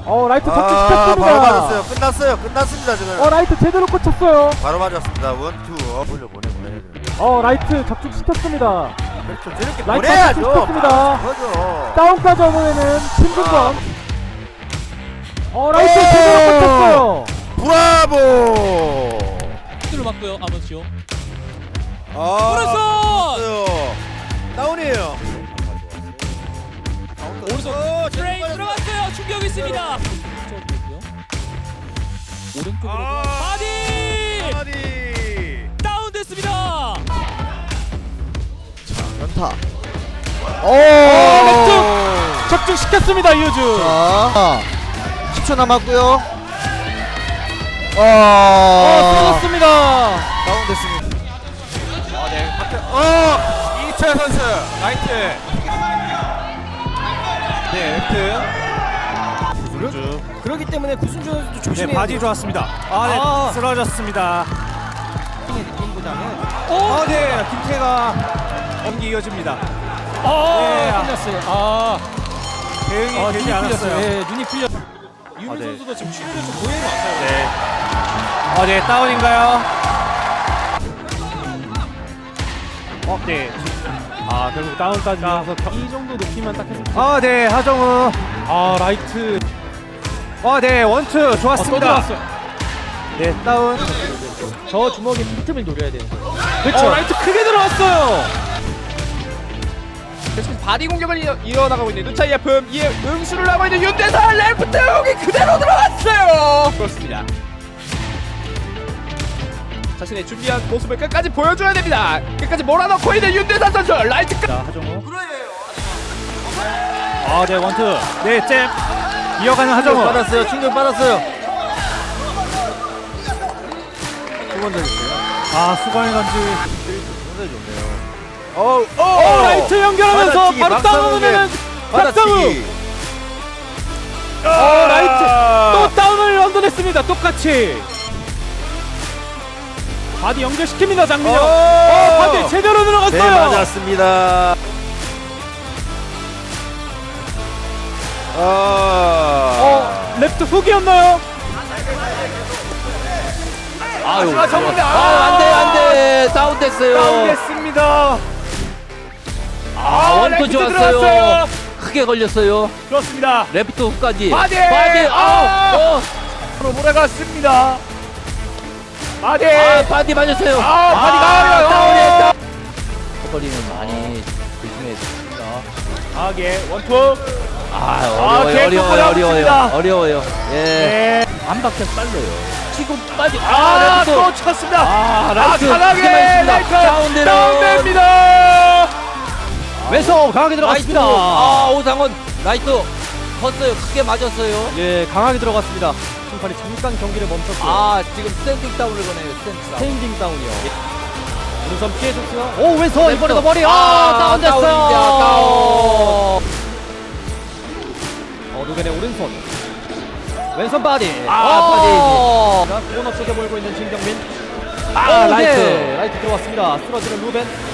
라이트 바로 적중시켰습니다. 맞았어요. 끝났습니다 지금. 라이트 제대로 꽂혔어요. 바로 맞았습니다. 원투 보내야 되는데. 라이트 적중시켰습니다. 그렇죠. 저렇게 라이트 보내야죠. 적중시켰습니다. 그죠. 다운까지 얻어내는 신중권. 라이트 오! 제대로 꽂혔어요. 브라보. 로 맞고요. 아머치오. 오른손. 오른손. 다운이에요. 오른손 트레인 들어갔어요. 충격 있습니다. 오른쪽으로 바디 바디. 다운됐습니다. 연타. 렉트 적중시켰습니다. 유주. 자, 10초 남았고요. 쓰러졌습니다. 다운됐습니다. 이철 선수 라이트. 네, 렉트. 그렇기 때문에 구순주 선수도 네, 조심해야 바디 돼요. 좋았습니다. 아. 네, 쓰러졌습니다. 느낌보다는 네, 김태가 경기 이어집니다. 끝났어요. 대응이 눈이 되지 풀렸어요. 않았어요. 네, 눈이 풀렸. 유민 네. 선수도 지금 취미를 좀 보이는 것 같아요. 네. 네, 다운인가요? 네. 결국 다운까지 나와서 이 정도 높이만 딱 해서. 네, 하정우. 라이트. 네, 원투 좋았습니다. 들어왔어요. 네, 다운. 저 주먹의 빈틈을 노려야 돼요. 그렇죠. 라이트 크게 들어왔어요. 계속해서 바디 공격을 이어나가고 있는 누차이 아픔. 이에 응수를 하고 있는 윤대산 레프트 여기 그대로 들어갔어요. 그렇습니다. 자신의 준비한 모습을 끝까지 보여줘야 됩니다. 끝까지 몰아넣고 있는 윤대산 선수 라이트 끝. 자, 하정우. 네, 원투. 네, 잼. 이어가는 하정우. 받았어요. 충격 받았어요. 두번 던졌어요. 수건의 던지. 상당히 좋네요. 라이트 연결하면서 받아치기, 바로 다운오면은 박상우. 받아치기. 라이트 또 다운을 얻어냈습니다. 똑같이. 바디 연결시킵니다. 장민혁. 바디 제대로 들어갔어요. 네, 맞았습니다. 랩트 훅이었나요? 안돼 다운됐어요. 다운됐습니다. 원투 좋았어요. 크게 걸렸어요. 그렇습니다. 레프트 훅까지. 바디! 바로 몰아갔습니다. 바디. 바디 맞았어요. 바디가 다운했다. 거리는 많이 조심해야 됩니다. 원투. 어려워요. 예. 네. 안 박혀 빨라요. 치고 빠지. 또 쳤습니다. 라이트 강하게 힘을 라이트 다운되는. 다운됩니다. 왼손 강하게 들어갔습니다. 오상원 라이트 컸어요. 크게 맞았어요. 예, 강하게 들어갔습니다. 심판이 잠깐 경기를 멈췄어요. 지금 스탠딩 다운을 거네요. 스탠딩 다운. 스탠딩 다운이요. 오른손 피해줬고요. 왼손 이번에도 머리. 다운됐어요. 다운. 루벤의 오른손. 왼손 바디. 바디. 코너 쪽에 몰고 있는 진경민. 라이트. 라이트 들어왔습니다. 쓰러지는 루벤.